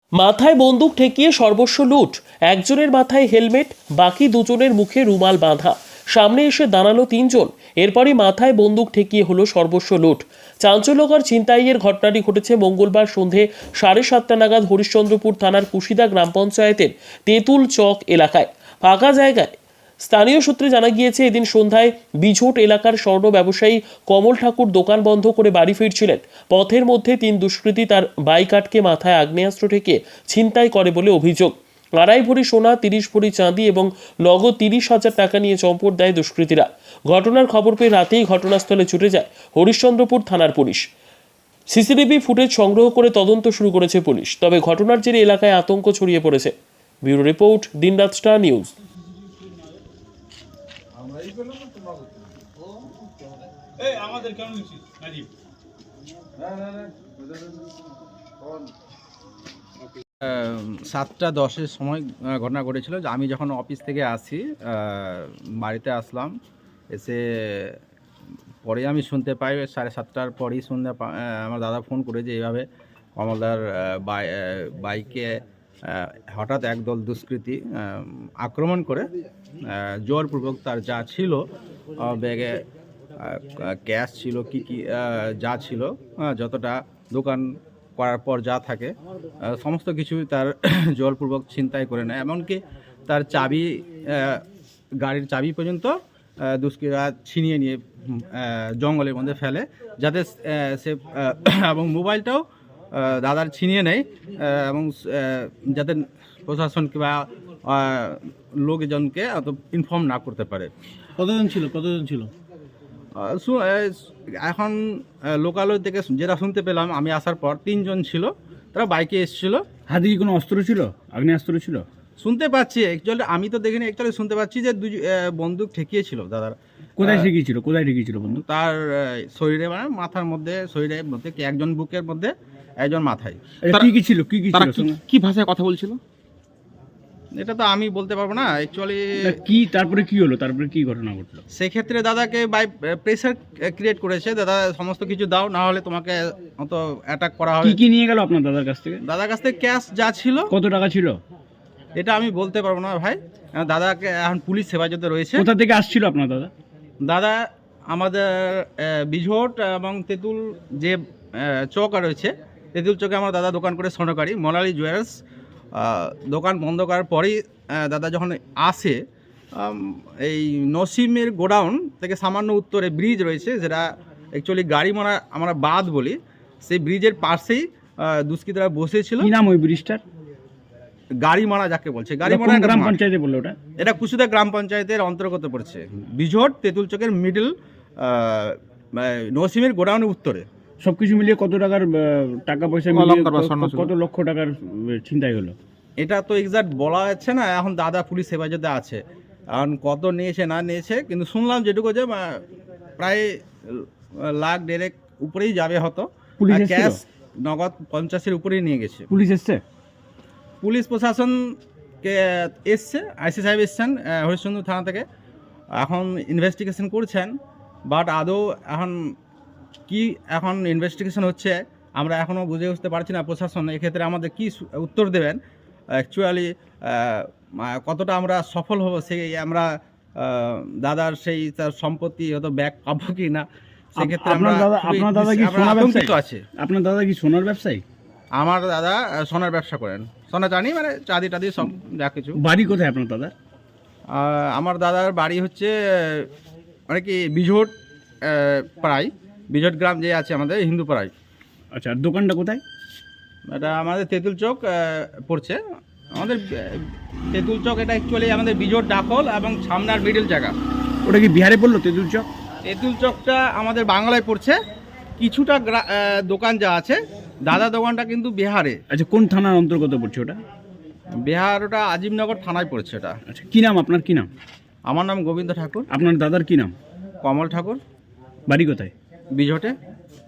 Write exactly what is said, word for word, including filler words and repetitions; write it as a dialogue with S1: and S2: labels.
S1: মাথায় বন্দুক ঠেকিয়ে সর্বস্ব লুট, একজনের মাথায় হেলমেট, বাকি দুজনের মুখে রুমাল বাঁধা। সামনে এসে দাঁড়ালো তিনজন, এরপরই মাথায় বন্দুক ঠেকিয়ে হলো সর্বস্ব লুট। চাঞ্চল্যকর ছিনতাইয়ের ঘটনাটি ঘটেছে মঙ্গলবার সন্ধে সাড়ে সাতটা নাগাদ হরিশ্চন্দ্রপুর থানার কুশিদা গ্রাম পঞ্চায়েতের তেঁতুল চক এলাকায় ফাঁকা জায়গায়। স্থানীয় সূত্রে জানা গিয়েছে, এদিন সন্ধ্যায় বিঝট এলাকার স্বর্ণ ব্যবসায়ী কমল ঠাকুর দোকান বন্ধ করে বাড়ি ফিরছিলেন। পথের মধ্যে তিন দুষ্কৃতী তার বাইক আটকে মাথায় আগ্নেয়াস্ত্র ঠেকে ছিনতাই করে বলে অভিযোগ। আড়াই ভরি সোনা, তিরিশ ভরি চাঁদি এবং নগদ তিরিশ হাজার টাকা নিয়ে চম্পট দেয় দুষ্কৃতীরা। ঘটনার খবর পেয়ে রাতেই ঘটনাস্থলে ছুটে যায় হরিশ্চন্দ্রপুর থানার পুলিশ। সিসিটিভি ফুটেজ সংগ্রহ করে তদন্ত শুরু করেছে পুলিশ। তবে ঘটনার জেরে এলাকায় আতঙ্ক ছড়িয়ে পড়েছে। Bureau report, Dinraat star news.
S2: আমাদের কেন নিচ্ছিস নাজিব?
S3: সাতটা দশের সময় ঘটনা ঘটেছিল যে আমি যখন অফিস থেকে আসি, বাড়িতে আসলাম, এসে পরে আমি শুনতে পাই সাড়ে সাতটার পরেই শুনতে আমার দাদা ফোন করে যে এইভাবে কমলদার বাইকে হঠাৎ একদল দুষ্কৃতী আক্রমণ করে জোরপূর্বক তার যা ছিল, ব্যাগে ক্যাশ ছিল, কি কি যা ছিল, যতটা দোকান করার পর যা থাকে সমস্ত কিছু তার জোরপূর্বক ছিনতাই করে নেয়। এমনকি তার চাবি, গাড়ির চাবি পর্যন্ত দুষ্কৃতীরা ছিনিয়ে নিয়ে জঙ্গলের মধ্যে ফেলে, যাতে সে এবং মোবাইলটাও দাদার ছিনিয়ে নেয় এবং যাতে প্রশাসন কিংবা লোকজনকে অত ইনফর্ম না করতে পারে।
S2: কতজন ছিল কতজন ছিল
S3: এখন লোকালয় থেকে যেটা শুনতে পেলাম আমি আসার পর, তিনজন ছিল, তারা বাইকে এসেছিল।
S2: হাতে কি কোনো অস্ত্র ছিল, আগ্নেয়াস্ত্র ছিল?
S3: শুনতে পাচ্ছি, অ্যাকচুয়ালি আমি তো দেখিনি, অ্যাকচুয়ালি শুনতে পাচ্ছি যে দুই বন্দুক ঠেকিয়েছিল দাদার।
S2: কোথায় ঠেকিয়েছিল কোথায় ঠেকিয়েছিল বন্দুক?
S3: তার শরীরে, মানে মাথার মধ্যে, শরীরের মধ্যে, একজন বুকের মধ্যে, একজন মাথায়।
S2: কি কি ছিল, কি কি ছিল,
S4: কি ভাষায় কথা বলছিল
S3: এটা তো আমি বলতে পারবো না অ্যাকচুয়ালি।
S2: কি তারপরে কি হলো, তারপরে কি ঘটনা ঘটলো?
S3: সেক্ষেত্রে দাদাকে বাই প্রেসার ক্রিয়েট করেছে, দাদা সমস্ত কিছু দাও, না হলে তোমাকে অত অ্যাটাক করা হবে।
S2: কি কি নিয়ে গেল আপনার দাদার কাছ থেকে?
S3: দাদার কাছ থেকে ক্যাশ যা ছিল।
S2: কত টাকা ছিল
S3: এটা আমি বলতে পারবো না ভাই, দাদাকে এখন পুলিশ হেফাজতে রয়েছে।
S2: কোথা থেকে আসছিল আপনার দাদা?
S3: দাদা আমাদের বিঝট এবং তেঁতুল যে চক রয়েছে, তেঁতুল চকে আমার দাদা দোকান করে স্বর্ণকারী মোনালি জুয়েলার্স। দোকান বন্ধ করার পরেই দাদা যখন আসে, এই নসিমের গোডাউন থেকে সামান্য উত্তরে ব্রিজ রয়েছে, যেটা অ্যাকচুয়ালি গাড়ি মারা আমরা বাদ বলি, সেই ব্রিজের পাশেই দুষ্কৃতীরা বসেছিল।
S2: কি নাম ওই ব্রিজটার?
S3: গাড়ি মারা যাকে বলছে, গাড়ি মারা
S2: গ্রাম পঞ্চায়েতে বললো ওটা?
S3: এটা কুশিদা গ্রাম পঞ্চায়েতের অন্তর্গত পড়ছে। বিঝট তেঁতুল চকের মিডল নসিমের গোডাউনের উত্তরে।
S2: সবকিছু মিলিয়ে কত টাকার টাকা পয়সা মিলিয়ে কত লক্ষ টাকার ছিনতাই হলো?
S3: এটা তো এক্সাক্ট বলা যাচ্ছে না, এখন দাদা পুলিশ হেফাজতে আছে, এখন কত নিয়েছে না নিয়েছে, কিন্তু শুনলাম যেটুকু যে প্রায় লাখ দেড়েক উপরেই যাবে হতো। ক্যাশ নগদ পঞ্চাশের উপরেই নিয়ে গেছে।
S2: পুলিশ এসছে?
S3: পুলিশ প্রশাসনকে এসছে, আইসি সাহেব এসছেন হরিশ্চন্দ্র থানা থেকে, এখন ইনভেস্টিগেশন করছেন। বাট আদৌ এখন কি এখন ইনভেস্টিগেশন হচ্ছে, আমরা এখনও বুঝে উঠতে পারছি না প্রশাসন এক্ষেত্রে আমাদের কি উত্তর দেবেন। অ্যাকচুয়ালি কতটা আমরা সফল হব, সেই আমরা দাদার সেই তার সম্পত্তি হয়তো ব্যাক পাবো কি না, সেক্ষেত্রে আমরা আতঙ্কিত আছি।
S2: আপনার দাদা কি সোনার ব্যবসায়ী?
S3: আমার দাদা সোনার ব্যবসা করেন, সোনা জানি মানে চাঁদি টাদি সব যা কিছু।
S2: বাড়ি কোথায় আপনার দাদা?
S3: আমার দাদার বাড়ি হচ্ছে মানে কি বিঝট পাড়ায়, বিঝট গ্রাম যে আছে আমাদের হিন্দু পাড়ায়।
S2: আচ্ছা, আর দোকানটা কোথায়?
S3: এটা আমাদের তেঁতুল চক পড়ছে, আমাদের তেঁতুল চক। এটা অ্যাকচুয়ালি আমাদের বিঝট ডাকল এবং সামনার মিডল জায়গা।
S2: ওটা কি বিহারে পড়লো তেঁতুল চক?
S3: তেঁতুল চকটা আমাদের বাংলায় পড়ছে, কিছুটা দোকান যা আছে, দাদা দোকানটা কিন্তু বিহারে।
S2: আচ্ছা, কোন থানার অন্তর্গত পড়ছে ওটা?
S3: বিহার, ওটা আজিমনগর থানায় পড়ছে এটা।
S2: আচ্ছা, কি নাম আপনার? কি নাম?
S3: আমার নাম গোবিন্দ ঠাকুর।
S2: আপনার দাদার কি নাম?
S3: কমল ঠাকুর।
S2: বাড়ি কোথায়?
S3: বিঝটে।